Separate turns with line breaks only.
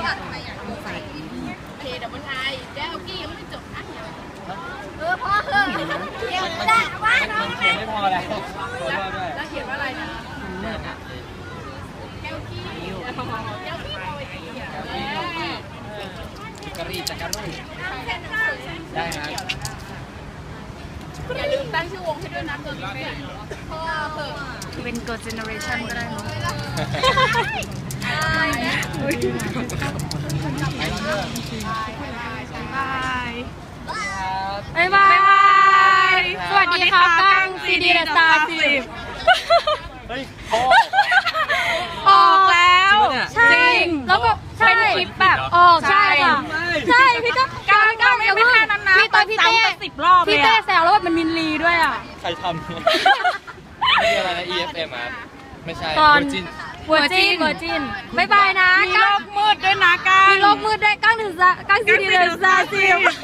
เคดับเบิลไอแก้วกี้ยังไม่จบนะพ่อเขียนได้ว่าน้องเขียนไม่พอแล้วแล้วเขียนว่าอะไรนะแก้วกี้แก้วกี้
จักรีจักรูได้ครับ
อย่าลืมตั้งชื่อวงให้ด้วยนะเกิร์ลเจนพ่อเปิด
เป็นเกิร์ลเจเนอเรชั่นก็ได้เนาะบ๊ายบายสวัสดีครับตั้งซีดีสตาร์10
เฮ้ย
ออกแล้วใช่แล้วก็เป็นคลิปแบบออกใช่ค่ะใช่พี่ก็การไม่แค่นั้นนะพี่ตอนพี่เต้10 รอบพี่เต้แซวแล้วว่ามันมินลีด้วยอ่ะ
ใครทำไม่ใช่อะไรนะ EFM อ่ะไม่ใช่เวอร์
จินบ๊ายบายนะ
มีโลกมืดด้วยนะก้าง
มีโลกมืดด้วยก้างซีดีเลยซาซิล